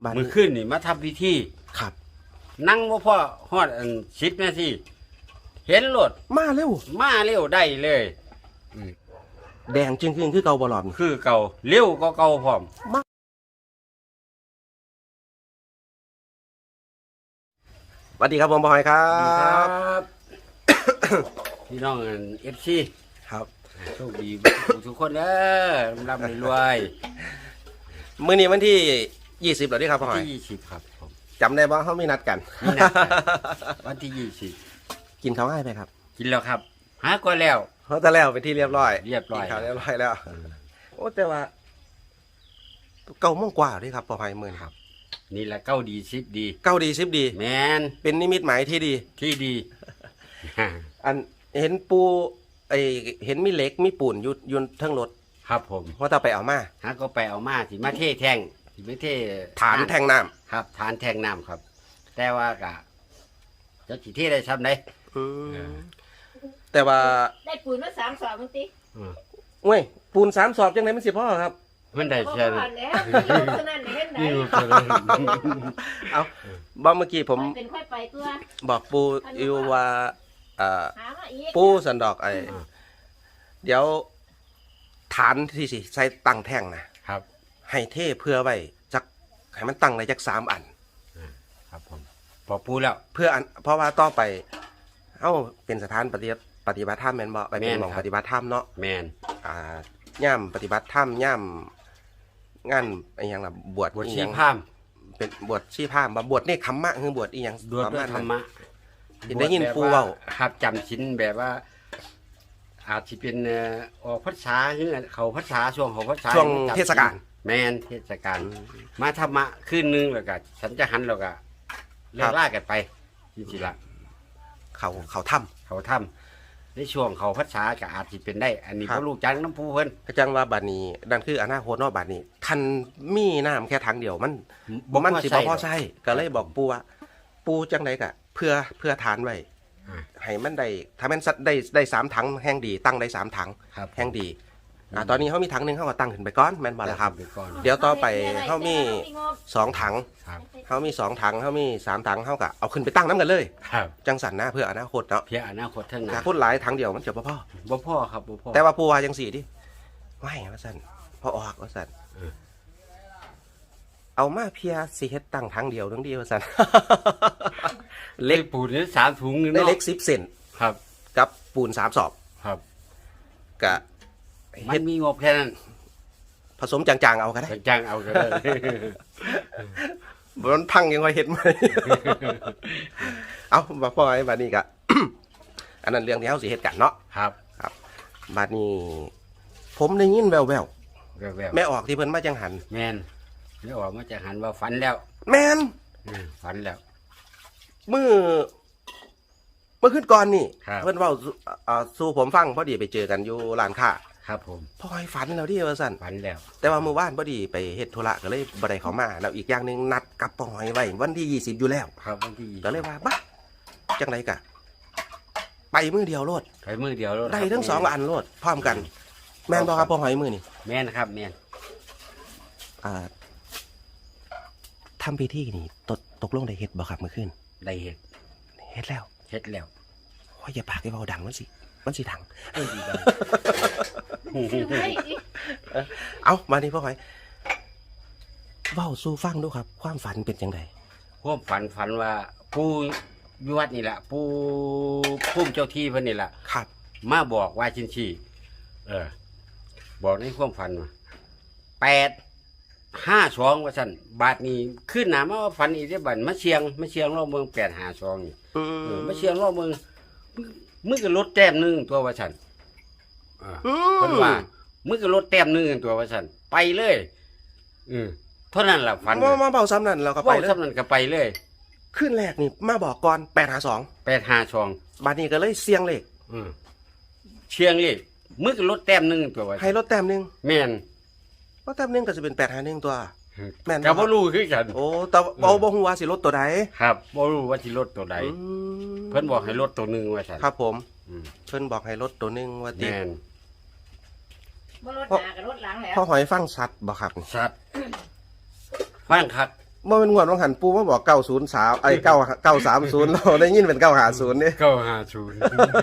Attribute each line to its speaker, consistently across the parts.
Speaker 1: มือขึ้นนี่มาทำพิธี
Speaker 2: ครับ
Speaker 1: นั่งว่าพ่อฮอด10 นาทีเห็นรถ
Speaker 2: มาเร็ว
Speaker 1: ได้เลย
Speaker 2: แดงจึงคือเก่าบ่หลอม
Speaker 1: คือเก่าเร็วก็เก่าพร้อม
Speaker 2: สวัสดีครับผมบอยครับ
Speaker 1: พี่น้องFC
Speaker 2: ครับ
Speaker 1: โชคดีทุกคนเด้อร่ำรวย
Speaker 2: มื้อนี้วันที่20แล้วดิครับบอย
Speaker 1: ที่20ครับผม
Speaker 2: จำได้บ่เฮามีนัดกัน
Speaker 1: วันที่20
Speaker 2: กินข้าวง่ายไหมครับ
Speaker 1: กินแล้วครับหาก็แล้ว
Speaker 2: เฮาแต่แล้วเป็นที่เรียบร้อย
Speaker 1: ครับ
Speaker 2: เรียบร้อยแล้วโอ้แต่ว่า9 โมงกว่าดิครับบอยมื้อนี้ครับ
Speaker 1: นี่แหละเก้าดี10ดี
Speaker 2: 9 ดี10ดี
Speaker 1: แมน
Speaker 2: เป็นนิมิตหมายที่ดีอันเห็นปูเห็นมีเหล็กมีปูนอยู่ทั้งรถ
Speaker 1: ครับผม
Speaker 2: ว่าถ้าไปเอามา
Speaker 1: หาก็ไปเอามาสิมาเทแท่งสิไม่เท
Speaker 2: ฐานแทงน้ำ
Speaker 1: ครับฐานแทงน้ำครับแต่ว่ากะจะสิเทได้ซ้ำได้
Speaker 2: แต่ว่า
Speaker 3: ได้ปูนมา3 สอบมั้งติ
Speaker 2: เว้ยปูน3 สอบจังไหนมันสิพ่อครับ
Speaker 1: มันได้ใช่
Speaker 3: แล้วอยู่เท่านั้นเห็นได้
Speaker 2: เอาบอกเมื่อกี้ผม
Speaker 3: เป็นค่อยไปตัว
Speaker 2: บอกปูอยู่ว่าปูสันดอกเดี๋ยวฐานที่สิใส่ตั้งแท่งนะครับให้เทเพื่อไว้จักให้มันตั้งในจัก3 อัน
Speaker 1: ครับผมพอปูแล้ว
Speaker 2: เพื่ออันเพราะว่าต่อไปเป็นสถานปฏิบัติธรรมแม่นบ่ไปเป็นหม่องปฏิบัติธรรมเนาะ
Speaker 1: แม่น
Speaker 2: ย่ามปฏิบัติธรรมย่ามงานอีหยังล่ะบวช
Speaker 1: ชีพราหมณ์
Speaker 2: เป็นบวชชีพราหมณ์บวชเนคขมมะคือบวชอีหยัง
Speaker 1: บวชด้วยธรรมะ
Speaker 2: ได้ยินปูเว้า
Speaker 1: ครับจำศีลแบบว่าอาจสิเป็นออกพรรษาหรือเขาพรรษาช่วงเขาพรรษา
Speaker 2: ช่วงเทศกาล
Speaker 1: แม่นเทศกาลมาธรรมะคืนนึงแล้วก็ฉันจะหันแล้วก็เลิกล่ากันไปจริงๆละ
Speaker 2: เขาถ้ำ
Speaker 1: ในช่วงเขาพรรษาก็อาจสิเป็นได้อันนี้เพราะลูกจังน้ำปูเพิ่น
Speaker 2: ก็จังว่าบัดนี้นั่นคืออนาคตเนาะบัดนี้คันมีน้ำแค่ทางเดียวมันสิบ่พอใช้ก็เลยบอกปูว่าปูจังได๋ก็เพื่อทานไว้ให้มันได้ถ้ามันได้3 ถังแห้งดีตั้งได้3 ถังแห้งดีตอนนี้เขามีถังนึงเขาก็ตั้งขึ้นไปก่อนแม่นบ่ล่ะครับเดี๋ยวต่อไปเขามี2 ถังเขามี2 ถังเขามี3 ถังเขาก็เอาขึ้นไปตั้งน้ำกันเลยจังสันนะเพื่ออนาคตเนาะ
Speaker 1: เพื่ออนาคตทั้งนั้น
Speaker 2: พูดหลายถังเดียวมันจะบ่พอ
Speaker 1: ครับบ่พอ
Speaker 2: แต่ว่าปูว่าจังสี่ดิไม่ว่าซั่นพอออกว่าซั่นเอามาเพียสิเฮ็ดตั้งถังเดียวนึงดีว่าซั่น
Speaker 1: เล็กปูนนี่3 ถุง
Speaker 2: ได้เล็ก10 เซน
Speaker 1: ครับ
Speaker 2: กับปูน3 สอบ
Speaker 1: ครับ
Speaker 2: กะ
Speaker 1: มันมีงบแค่นั้น
Speaker 2: ผสมจางๆเอาก็ได้
Speaker 1: จางๆเอาก็ได้
Speaker 2: มันพังยังไงเห็นไหมเอาบ่พอไอ้บัดนี้กะอันนั้นเรื่องที่เฮาสิเฮ็ดกันเนาะ
Speaker 1: ครับ
Speaker 2: บัดนี้ผมได้ยินแววแม่ออกที่เพิ่นมาจังหัน
Speaker 1: แม่นแม่ออกมาจังหันว่าฝันแล้ว
Speaker 2: แม่น
Speaker 1: ฝันแล้ว
Speaker 2: เมื่อขึ้นก่อนนี่เพิ่นเว้าสู่ผมฟังพอดีไปเจอกันอยู่ร้านค้า
Speaker 1: ครับผม
Speaker 2: พ่อยฝันแล้วดิว่าซั่น
Speaker 1: ฝันแล้ว
Speaker 2: แต่ว่าเมื่อวานพอดีไปเฮ็ดธุระก็เลยบ่ได้เข้ามาแล้วอีกอย่างนึงนัดกับพ่อหอยไว้วันที่20อยู่แล้ว
Speaker 1: ครับวันที่
Speaker 2: ก็เลยว่าบัดจังได๋กะไปมื้อเดียวโลดได้ทั้ง2 อันโลดพร้อมกันแม่นบ่ครับพ่อหอยมื้อนี่
Speaker 1: แม่นครับแม่น
Speaker 2: ทำพิธีนี่ตกลงได้เฮ็ดบ่ครับเมื่อคืน
Speaker 1: ได้เฮ็ด
Speaker 2: แล้วโอ้ยอย่าปากให้เว้าดังมันสิถังเอามานี่พ่อหอยเว้าสู่ฟังดูครับความฝันเป็นจังได๋
Speaker 1: ความฝันว่าผู้อยู่วัดนี่แหละผู้พุ่มเจ้าที่เพิ่นนี่แหละ
Speaker 2: ครับ
Speaker 1: มาบอกว่าชินชีบอกในความฝันว่า852ว่าซั่นบาดนี้ขึ้นหน้ามาว่าฝันอีกได้บัดมาเชียงรอบเมือง852นี่มาเชียงรอบเมืองมึงก็ลดแต้มนึงตัวว่าซั่นเพิ่นว่ามึงก็ลดแต้มนึงตัวว่าซั่นไปเลยเท่านั้นล่ะฝัน
Speaker 2: มาเบาซ้ำนั่นเราก็ไปเลย
Speaker 1: เบาซ้ำนั่นก็ไปเลย
Speaker 2: ขึ้นแรกนี่มาบอกก่อน
Speaker 1: 852
Speaker 2: บาดนี้ก็เลยเสียงเลข
Speaker 1: เชียงเลขมึงก็ลดแต้มนึงตัวว่า
Speaker 2: ให้ลดแต้มนึง
Speaker 1: แม่น
Speaker 2: ลดแต้มนึงก็จะเป็น851ตัว
Speaker 1: แม่นก็บ่รู้คือกัน
Speaker 2: โอ้แต่บ่ฮู้ว่าสิลดตัวใด
Speaker 1: ครับบ่รู้ว่าสิลดตัวใดเพิ่นบอกให้ลดตัวนึงว่าซั่น
Speaker 2: ครับผมเพิ่นบอกให้ลดตัวนึงว่าติ
Speaker 1: แม่น
Speaker 3: บ่ลดหน้าก็ลดหลังแล้ว
Speaker 2: พ่อหอยฟังชัดบ่ครับ
Speaker 1: ชัดฟังคัก
Speaker 2: บ่เป็นงวดของหันปูมาบอก903ไอ้930เราได้ยินเป็น950นี่
Speaker 1: 950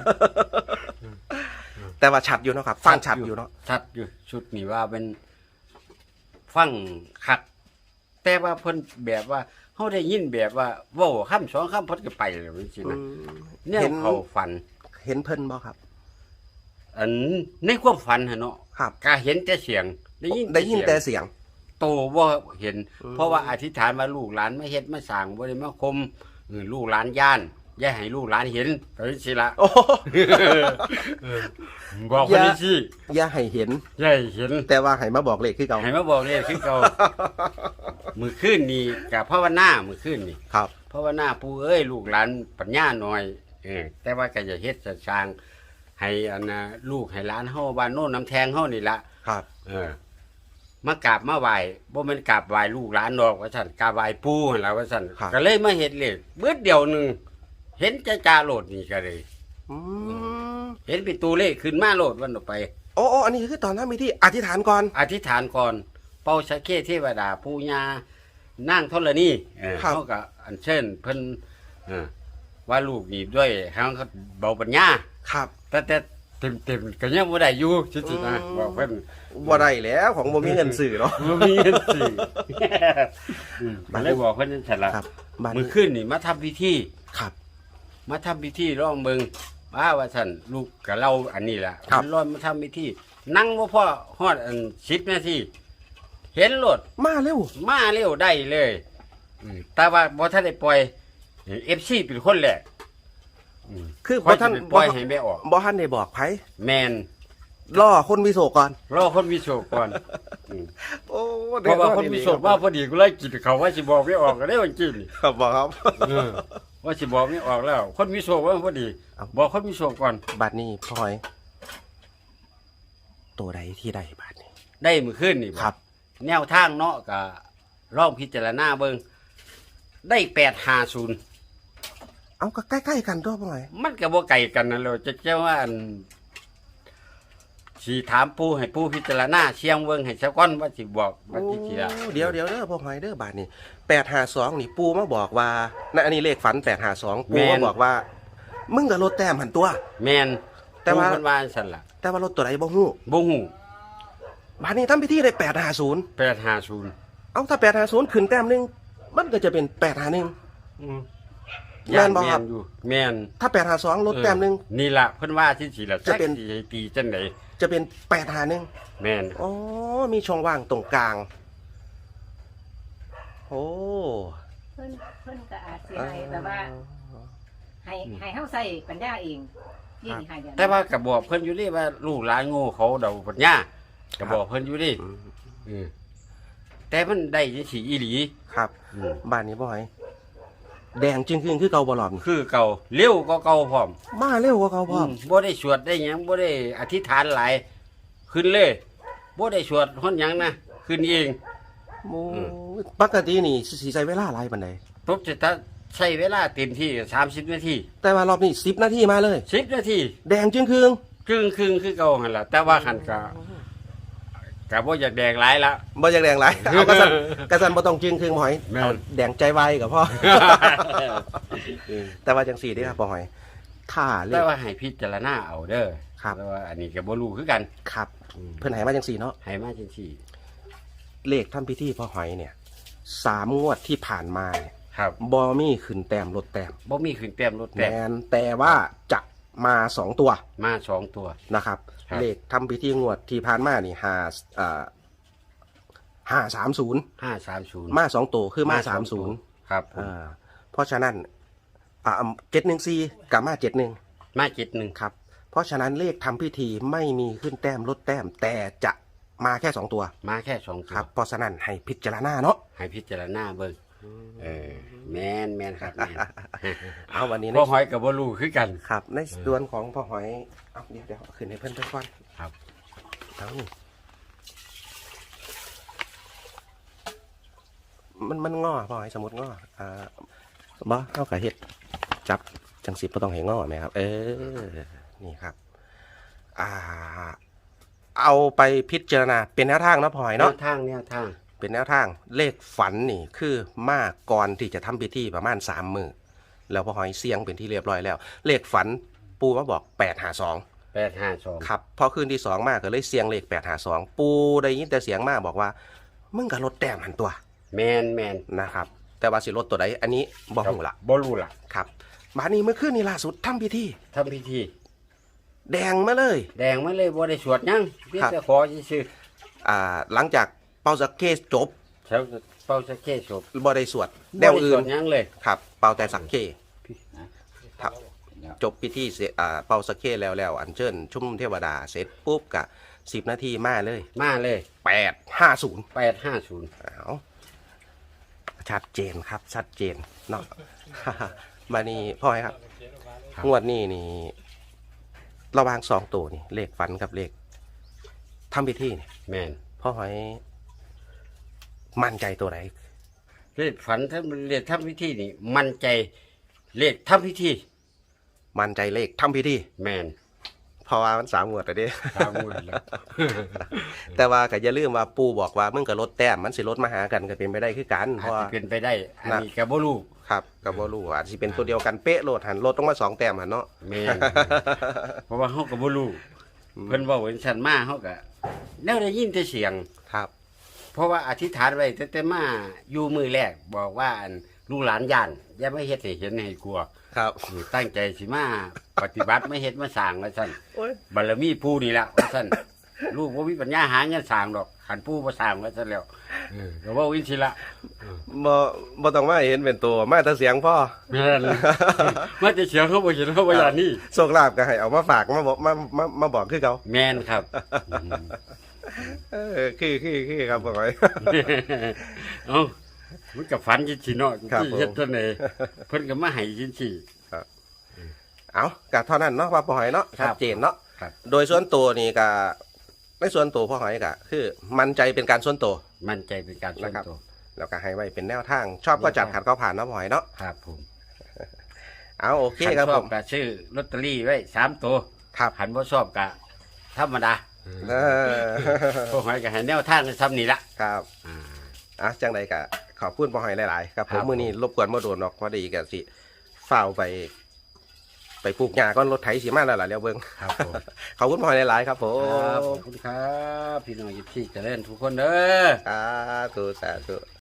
Speaker 2: แต่ว่าชัดอยู่เนาะครับ ฟังชัดอยู่เนาะ
Speaker 1: ชัดอยู่ชุดนี้ว่าเป็นฟังคักแต่ว่าเพิ่นแบบว่าเฮาได้ยินแบบว่าเว้าคำสองคำเพิ่นก็ไปแล้วจังซี่นะแนวเขาฝัน
Speaker 2: เห็นเพิ่นบ่ครับ
Speaker 1: อันในความฝันหั่นเนาะ
Speaker 2: ครับ
Speaker 1: ก็เห็นแต่เสียง ได้ยิน
Speaker 2: แต่เสียง
Speaker 1: โตบ่เห็น เพราะว่าอธิษฐานว่าลูกหลานมาเฮ็ดมาสร้างบ่ได้มาคมลูกหลานย่านอย่าให้ลูกหลานเห็นก็สิละ
Speaker 2: โอ้
Speaker 1: บอกคนนี้สิ
Speaker 2: อย่าให้เห็น
Speaker 1: อย่าให้เห็น
Speaker 2: แต่ว่าให้มาบอกเลขคือเก่า
Speaker 1: ให้มาบอกเลยคือเก่า มือขึ้นนี่กับภาวนามือขึ้นนี่
Speaker 2: ครับ
Speaker 1: ภาวนาปู่เอ้ยลูกหลานปัญญาหน่อยแต่ว่าก็จะเฮ็ดจะสร้างให้อันนะลูกให้หลานเฮาบ้านโน้นน้ำแทงเฮานี่ละ
Speaker 2: ครับ
Speaker 1: มากราบมาไหว้บ่แม่นกราบไหว้ลูกหลานดอกว่าซั่นกราบไหว้ปู่หั่นล่ะว่าซั่น
Speaker 2: ครับ
Speaker 1: ก็เลยมาเฮ็ดเลขเบิดเดียวหนึงเห็นจ้าๆโลดนี่ก็เลย
Speaker 2: อืม
Speaker 1: เห็นเป็นตัวเลขขึ้นมาโลดวันต่อไป
Speaker 2: โอ้อันนี้คือตอนนั้นมีที่อธิษฐานก่อน
Speaker 1: อธิษฐานก่อนเป่าสะเข้เทวดาปู่ย่านางธรณีเขาก็อัญเชิญเพิ่นว่าลูกนี่ด้วยเขาก็เบาปัญญา
Speaker 2: ครับ
Speaker 1: แต่เต็มก็ยังบ่ได้อยู่จริงๆนะบอกเพิ่น
Speaker 2: บ่ได้แล้วของบ่มีเงินซื้อเนาะ
Speaker 1: บ่มีเงินสิก็เลยบอกเพิ่นนั่นแหละ
Speaker 2: ครับบ้าน
Speaker 1: มื้
Speaker 2: นี้
Speaker 1: อคืนนี่มาทำพิธี
Speaker 2: ครับ
Speaker 1: มาทำพิธีร้องเบิ่งว่าซั่นลูกกับเราอันนี้ล่ะ
Speaker 2: ครับ
Speaker 1: ร้อนมาทำพิธีนั่งบ่พอฮอดอัน10 นาทีเห็นรถ
Speaker 2: มาเร็ว
Speaker 1: มาเร็วได้เลยแต่ว่าบ่ทันได้ปล่อย FC เป็นคนแรก
Speaker 2: คือ
Speaker 1: บ่
Speaker 2: บ่
Speaker 1: ทั
Speaker 2: ท่าน น
Speaker 1: ปล่อยให้แม่ออก
Speaker 2: บ่ท่านได้บอกไผ
Speaker 1: แมน
Speaker 2: รอคนมีโศกก่อน
Speaker 1: รอคนมีโชคก่อน
Speaker 2: โอ้
Speaker 1: เพราะว่าคนมีโชคว่าพอดีกูเลยกินเขาว่าสิบอกไม่ออกก็ได้วันกิน
Speaker 2: ครับบอกครับ
Speaker 1: ว่าสิบอกไม่ออกแล้ว คนมีโชคว่าพอดี บอกคนมีโชคก่อน
Speaker 2: บัดนี้พ่อยตัวใดที่ได้บัดนี้
Speaker 1: ได้มือขึ้นนี่
Speaker 2: ครับ
Speaker 1: แนวทางเนาะก็ร่องพิจารณาเบิ่งได้850
Speaker 2: เอาก็ใกล้ๆกันตัวพ่อย
Speaker 1: มันก็บ่ไกลกันนั่นแหละจะเจ้าว่าอันสิถามปู่ให้ปู่พิจารณาเชียงเบิ่งให้ซะก่อนว่าสิบอกว่าสิเสีย
Speaker 2: เดี๋ยวเด้อพ่อยเด้อบาดนี้852นี่ปูมาบอกว่านั่นอันนี้เลขฝัน852ปูมาบอกว่า มึงก็ลดแต้มหันตัว
Speaker 1: แม่น
Speaker 2: แต่ว่า
Speaker 1: ปู่เพิ่นว่าซั่นล่ะ
Speaker 2: แต่ว่ารถตัวไหนบ่ฮู้
Speaker 1: บ่ฮู้
Speaker 2: บาดนี้ทำพิธีได้850
Speaker 1: 850
Speaker 2: เอาถ้า850ขึ้นแต้มหนึงมันก็จะเป็น851 แม่นบ่ครับ
Speaker 1: อยู่แม่น
Speaker 2: ถ้า852ลดแต้มหนึง
Speaker 1: นี่ล่ะเพิ่นว่าที่สิล่ะ
Speaker 2: จะเป็น
Speaker 1: จักสิให้ตีจังได๋
Speaker 2: จะเป็น851
Speaker 1: แม่น
Speaker 2: อ๋อมีช่องว่างตรงกลางโอ้
Speaker 3: เพิ่นก็อาจสิให้แบบว่าให้เฮาใส่ปัญญาเองนี่ให้เดี๋ยว
Speaker 1: แต่ว่าก็บอกเพิ่นอยู่นี่ว่าลูกหลานโง่เขาเดาปัญญาก็บอกเพิ่นอยู่นี่แต่มันได้จังซี่อีหลี
Speaker 2: ครับบ้านนี้บ่อยแดงจึงคือเก่าบ่หลอม
Speaker 1: คือเก่าเร็วก็เก่าพร้อม
Speaker 2: มาเร็วกว่าเก่าพร้อม
Speaker 1: บ่ได้สวดได้หยังบ่ได้อธิษฐานหลายขึ้นเลยบ่ได้สวดฮ้อนหยังนะขึ้นเอง
Speaker 2: โอ้ปกตินี่สิใช้เวลาหลายปานใด
Speaker 1: ตกจะใช้เวลาเต็มที่30 นาที
Speaker 2: แต่ว่ารอบนี้10 นาทีมาเลย
Speaker 1: 10 นาที
Speaker 2: แดงจึงคือ
Speaker 1: ครึ่งคือเก่าหั่นล่ะแต่ว่าคันก็บ่อยากแดงหลายละ
Speaker 2: บ่อยากแดงหลายเอากระสันบ่ต้องจึงคือหอย
Speaker 1: แม่น
Speaker 2: เอาแดงใจไวกับพ่อ แต่ว่าจังสี่เด้อครับบ่หอยถ้าเล
Speaker 1: แต่
Speaker 2: ข
Speaker 1: ว่าให้พิจารณาเอาเด้อ
Speaker 2: ครับ
Speaker 1: แต่ว่าอันนี้ก็บ่รู้คือกัน
Speaker 2: ครับเพิ่นให้มาจังสี่เนาะ
Speaker 1: ให้มาจังซี่
Speaker 2: เลขทำพิธีพ่อหอยเนี่ย3 งวดที่ผ่านมาเนี่ย
Speaker 1: ครับ
Speaker 2: บอมี่ขึ้นแต้มลดแต้ม
Speaker 1: บ่มีขึ้นแต้มลด
Speaker 2: แม
Speaker 1: แต้ม
Speaker 2: นแต่ว่าจะมา2 ตัว
Speaker 1: มา2ตัว
Speaker 2: นะครับ
Speaker 1: ครับ
Speaker 2: เลขทำพิธีงวดที่ผ่านมานี่530
Speaker 1: 530
Speaker 2: มา2 ตัวคือมา30
Speaker 1: ครับผม
Speaker 2: เพราะฉะนั้น714กับมา71
Speaker 1: มา71
Speaker 2: ครับ เพราะฉะนั้นเลขทำพิธีไม่มีขึ้นแต้มลดแต้ม แต่จะมาแค่2 ตัว
Speaker 1: มาแค่2ตัว
Speaker 2: ครับ เพราะฉะนั้นให้พิจารณาเนาะ
Speaker 1: ให้พิจารณาเบิ่งแม่นครับแม่น
Speaker 2: เอาวันนี้
Speaker 1: พ่อหอยก็บ่รู้คือกัน
Speaker 2: ครับ ในส่วนของพ่อหอยเอาเดี๋ยวเอาขึ้นให้เพื่อนก่อน
Speaker 1: ครับ
Speaker 2: เอามันงอพ่อหอยสมมติงอบ่เอากระเฮ็ดจับจังสิบ่ต้องให้งอไหมครับ นี่ครับ เอาไปพิจารณาเป็นแนวทางเนาะพ่อหอย
Speaker 1: แน
Speaker 2: เนาะ
Speaker 1: วทาง
Speaker 2: เป็นแนวทางเลขฝันนี่คือมาก่อนที่จะทำพิธีประมาณ3 มื้อแล้วพ่อหอยเสียงเป็นที่เรียบร้อยแล้ว เลขฝันปูมาบอก852
Speaker 1: 852
Speaker 2: ครับพอคืนที่2มาก็เลยเสียงเลข852ปูได้ยินแต่เสียงมาบอกว่ามึงก็ลดแต้มหันตัว
Speaker 1: แมน
Speaker 2: นะครับแต่ว่าสิลดตัวใดอันนี้บ่ฮู้ละ
Speaker 1: บ่รู้ล่ะ
Speaker 2: ครับมานี้เมื่อคืนนี้ล่าสุดทำพิธี
Speaker 1: ทำพิธี
Speaker 2: แดงมาเลย
Speaker 1: แดงมาเลยบ่ได้สวดหยังเพียงแต่ขอซื่อ
Speaker 2: หลังจากเป่าสักเคสจบ
Speaker 1: ๆแล้วเป่าสักแค่ศพ
Speaker 2: บ่ได้สวดแน
Speaker 1: บ่
Speaker 2: ว
Speaker 1: ได้ส
Speaker 2: อื่
Speaker 1: วน ดหยังเลย
Speaker 2: ครับเป่าแต่สักเคครับจบพิธีเสร็จเป่าสักเคแล้วอัญเชิญชุมนุมเทวดาเสร็จปุ๊บกะ10 นาทีมาเลย
Speaker 1: มาเลย
Speaker 2: 850
Speaker 1: 850
Speaker 2: อ้าวชัดเจนครับชัดเจนเนาะ มานี่พ่อครับงวดนี้นี่ระหว่าง2 ตัวนี่เลขฝันกับเลขทำพิธีนี่
Speaker 1: แม่น
Speaker 2: พ่อหอยมั่นใจตัวไหน
Speaker 1: เลขฝันถ้าเลขทำพิธีนี่มั่นใจเลขทำพิธี
Speaker 2: มั่นใจเลขทำพิธี
Speaker 1: แม่น
Speaker 2: เพราะว่ามัน3 งวดแล้วเด้
Speaker 1: ตามหมดแล้ว
Speaker 2: แต่ว่าก็อย่าลืมว่าปู่บอกว่ามึงก็ลดแต้มมันสิลดมาหากันก็เป็นไปได้คือกันเพ
Speaker 1: อาจ
Speaker 2: ราะว่า
Speaker 1: จะเป็นไปได้ อันนี้ก็บ่รู้
Speaker 2: ครับก็บ่รู้อาจสิเป็นตัวเดียวกันเป๊ะโลดหันลดลงมา2 แต้มหันเนาะ
Speaker 1: แม่น เพราะว่าเฮาก็บ่รู้เพิ่นเว้าเป็นฉันมาเฮาก็แนวได้ยินแต่เสียง
Speaker 2: ครับ
Speaker 1: เพราะว่าอธิษฐานไว้แต่มาอยู่มือแรกบอกว่าอันลูกหลานย่านอย่ามาเฮ็ดให้เห็นให้กลัว
Speaker 2: ครับ
Speaker 1: ตั้งใจสิมาปฏิบัติไม่เฮ็ดมาสร้างว่าซั่น
Speaker 2: โอ้ย
Speaker 1: บารมีปู่นี่ล่ะว่าซั่นลูกบ่มีปัญญาหาเงินสร้างดอกคันปู่บ่สร้างว่าซั่นแล้วก็เว้าอินสิละ
Speaker 2: บ่ต้องมาเห็นเป็นตัวมาแต่เสียงพ่อ
Speaker 1: แม่นมาจะเสียงเขาบ่เห็นเขาบ่อย่างนี้
Speaker 2: โชคลาภก็ให้เอามาฝากมาบอกมาบอกคือเขา
Speaker 1: แม่นครับ
Speaker 2: คือครับพ่อหอย
Speaker 1: เอ้ามันก็ฝันจังซี่เนาะ
Speaker 2: ครับ
Speaker 1: ที่เฮ็ดเท่านั้นเพิ่นก็มาให้จังซี่
Speaker 2: เอาก็เท่านั้นเนาะว่าพ่อหอยเนาะ
Speaker 1: ครับ
Speaker 2: ชัดเจนเนาะ
Speaker 1: ครับ
Speaker 2: โดยส่วนตัวนี่ก็ในส่วนตัวพ่อหอยก็คือมั่นใจเป็นการส่วนตัว
Speaker 1: มั่นใจเป็นการส่วน
Speaker 2: นะครับ
Speaker 1: ตัว
Speaker 2: แล้วก็ให้ไว้เป็นแนวทาง ชอบก็จัดขัดก็ผ่านเนาะพ่อหอยเนาะ
Speaker 1: ครับผม
Speaker 2: เอาโอเค
Speaker 1: คัน
Speaker 2: ครับ
Speaker 1: ช
Speaker 2: ผ
Speaker 1: อบ
Speaker 2: ม
Speaker 1: ก็ซื้อลอตเตอรี่ไว้3ตัว
Speaker 2: ครับ
Speaker 1: คันบ่ชอบก็ธรรมดา
Speaker 2: เออ
Speaker 1: พวกหอยก็ให้แนวทางซ้ำนี่ละ
Speaker 2: ครับ
Speaker 1: อ่า
Speaker 2: จังใดก็ขอบคุณพ่อหอยหลายๆครับผ
Speaker 1: ครั
Speaker 2: ม
Speaker 1: บ
Speaker 2: มื้อนี้รบกวนบ่โดนหรอกพอดีก็สิฝ้าวไปปลูกหญ้าก่อนรถไถสิมาแล้วล่ะเดี๋ยวเบิ่ง
Speaker 1: ครับผม
Speaker 2: ขอบคุณพ่อหอยหลายๆครับผ
Speaker 1: ครับ
Speaker 2: ม
Speaker 1: ขอบคุณครับ พี่น้องยิปซีเจริญทุกคนเด้อ
Speaker 2: สาธุ